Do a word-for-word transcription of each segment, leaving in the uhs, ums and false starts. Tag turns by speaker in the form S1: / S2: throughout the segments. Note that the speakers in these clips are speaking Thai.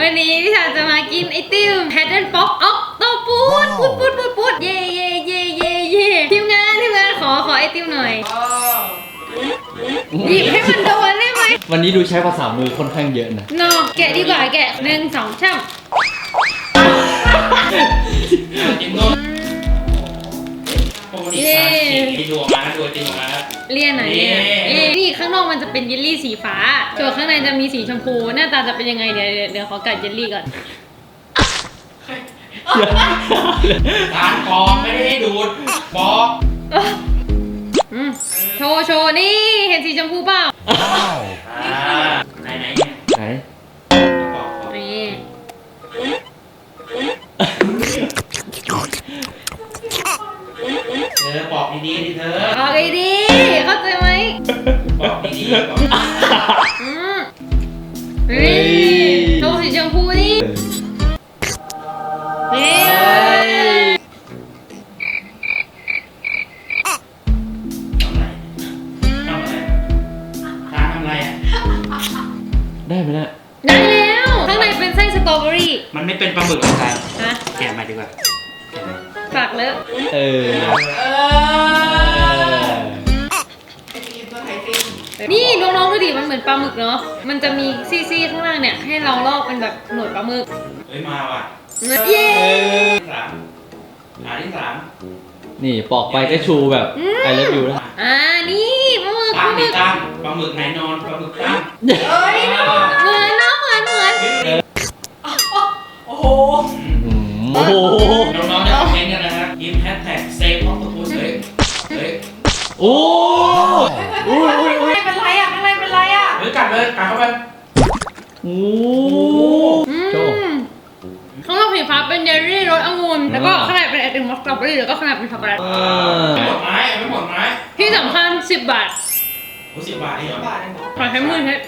S1: วันนี้พี่ชาจะมากินไอติมแพทเทิร์นป๊อกออกโตปูดปูดปูดปูดปูดเย่เย่เย่เย่เย่ทีมงานทีมงานขอขอไอติมหน่อยหยิบให้มันโดนได้ไหม
S2: วันนี้ดูใช้ภาษามือค่อนข้างเยอะนะ
S1: นอกแกะดีกว่าแกะหนึ่งสองช่ำ
S3: เย้ดูออกมาดูจริงออกมา
S1: เลี่ยนไหนเนี่ยนี่ข้างนอกมันจะเป็นเยลลี่สีฟ้าส่วนข้างในจะมีสีชมพูหน้าตาจะเป็นยังไงเดี๋ยวเดี๋ยวขอกัดเยลลี่ก่อน
S3: การกองไม่ได้ให้ดูดบอก
S1: โชว์โชว์นี่เห็นสีชมพูเปล่า
S3: ไหนไหนเนี่ย
S2: ไหน
S1: นี่
S3: เธอบอกดีๆดิเธอ
S1: บอกดีๆเข้าใจไหม
S3: บอกดีๆบอก
S1: อืมนี่โชว์สีชมพูนี่นี่
S2: ได้ไหมเนี่ย
S1: ได้แล้วข้างในเป็นไส้สตรอเบอรี่
S3: มันไม่เป็นปลาหมึกหรอกครับ
S1: ฮะ
S3: แกะมาดีกว่า
S1: ฝากเลอะ
S2: เออ
S1: นี่น้องๆดูดิมันเหมือนปลาหมึกเนาะมันจะมีซี่ๆข้างล่างเนี่ยให้เราลอกเป็นแบบหนวดปลาหมึก
S3: เฮ้ยมาว่ะ
S1: เย้
S3: สามหาที่สาม
S2: นี่ปอกไปก็ชูแบบไอเลิฟยูแล้ว
S1: อ่านี่ปลาหมึก
S3: ตั้งนี่ตั้งปลาหมึกไหนนอนปลาหมึกตั้ง
S1: เอ้ยเหมือนนะเหมือนเหมือน
S3: โอ้โห
S2: โอ้โห
S3: น้องๆจะคอมเมนต์กันนะครับยิ้มแฮชแท็กเซฟออฟตัวพูดเลยเฮ้ย
S2: โอ้
S1: โอ้ยโอ้ยเป็นไรอ่ะข้างในเป็นไรอ่ะ
S3: เฮ้ยกัดเลยกัดเข้าไป
S2: โอ้
S1: โจข้างนอกสีฟ้าเป็นเยลลี่รสองุ่นแล้วก็ข้างในเป็นไอติมสตรอเบอรี่แล้วก็ข้างในเป็นช็อกโกแลต
S3: ไม่หมดไม้ไม่หมดไม้
S1: ที่สำคัญสิบบาท
S3: โอ้สิบบาทนี่เหรอ
S1: ขอให้มือให้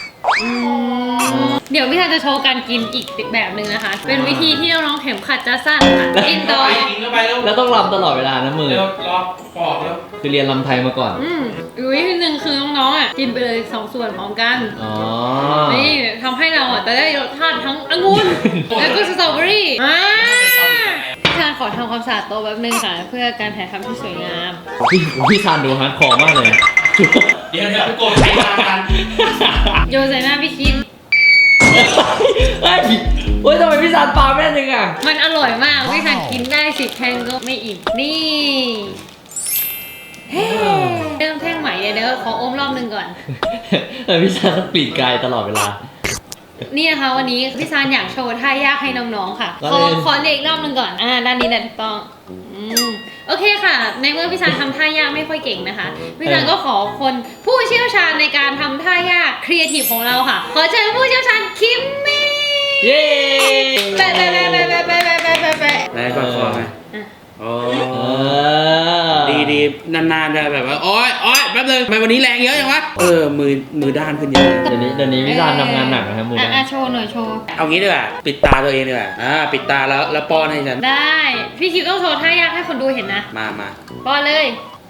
S1: เดี๋ยวพี่ชายจะโชว์การกินอีกแบบหนึ่งนะคะ เป็นวิธีที่น้องๆเข็มขัดจะสั้นค่ะกินโดย
S2: แล้วต้องรำตลอดเวลานะมือ
S3: รอปอกแล้ว
S2: คือเรียนรำไทยมาก่อน
S1: อืมอีกวิธีหนึ่งคือน้องๆอ่ะกินไปเลยสองส่วนพร้อมกัน
S2: อ๋อ
S1: นี่ทำให้เราอ่ะจะได้รสชาติทั้งองุ่นแล้วก็สตรอเบอรี่อ่าพี่ชายขอทำความสะอาดโต๊ะแป๊บนึงค่ะเพื่อการถ่ายทำที่สวยงาม
S2: พี่พี่ชานดูฮาร์ดคอร์มากเลย
S3: เดี๋ยวเดี๋ยวพี่โกรธใครมากัน
S1: โยนใส่หน้าพี่คิด
S2: เฮ้ยโอ้ยทำไมพี่ชานปลาแม่นึงอ่ะ
S1: มันอร่อยมากพี่ชานกินได้สิบแท่งก็ไม่อิ่มนี่เฮ้เริ่มแท่งใหม่เดี๋ยวขออมรอบนึงก่อน
S2: เออพี่ชานต้องกรีดกายตลอดเวลา
S1: นี่นะคะวันนี้พี่ซานอยากโชว์ท่ายากให้น้องๆค่ะขอขอเด็กรอบนึงก่อนอ่าด้านนี้แหละถูกต้องอืมโอเคค่ะในเมื่อพี่ซานทำท่ายากไม่ค่อยเก่งนะคะพี่ซานก็ขอคนผู้เชี่ยวชาญในการทำท่ายากครีเอทีฟของเราค่ะขอเชิญผู้เชี่ยวชาญคิมมี่
S2: เย้
S1: แปะแปะแปะแปะแปะแปะแปะแปะแปะแปะ
S3: ได้ก่อนคอไหมโอ้ดีดีนานๆจะแบบว่าโอ๊ยโอ๊ยแป๊บนึงทำไมวันนี้แรงเยอะจังวะเออมือมือด้านขึ้นเยอะ
S2: เดี๋ยวนี้เดี๋ยวนี้พี่ซานทำงานหนักนะครับมือ
S1: อ่ะโชว์หน่อยโชว์
S3: เอางี้ดีกว่าปิดตาตัวเองดีกว่าอ่าปิดตาแล้วแล้วป้อนให้ฉัน
S1: ได้พี่คิวต้องโชว์ท่ายากให้คนดูเห็นนะ
S3: มามา
S1: ป้อนเลย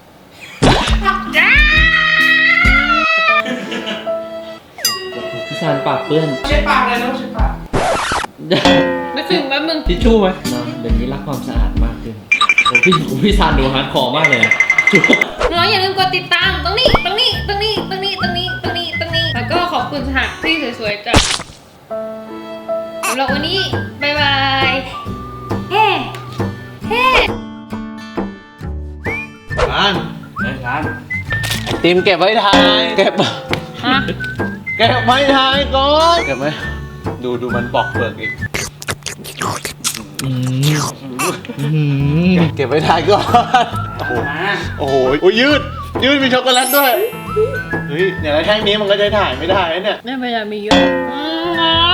S2: พี่ซานปากเปื้อน
S3: เช็ดปากเลยนะเช็ดปาก
S1: ไม่ถึงแป๊บนึง
S2: ทิชชู่ไหมเดี๋ยวนี้รักความสะอาดมากขึ้นพี่พี่ซานดูฮาร์ดคอร์มากเลย
S1: น้องอย่าลืมกดติดตามตรงนี้ตรงนี้ตรงนี้ตรงนี้ตรงนี้ตรงนี้ตรงนี้แล้วก็ขอบคุณสถานที่สวยๆจ้ะสำหรับวันนี้บ๊ายบายเฮ้เฮ้
S3: ร้านไอ้ร้านติมเก็บไว้ทายเก็บ
S1: ฮะ
S3: เก็บไว้ทายก่อนเก็บไว้ดูดูมันปอกเปลือกอีกเก็บไว้ทายก่อนโอ้โหโอ้ยยืดยืดมีช็อกโกแลตด้วยเฮ้ยอย่างไรแท่งนี้มันก็จะถ่ายไม่ได้เนี่ย
S1: ไม่เป็นไรมีเยอะ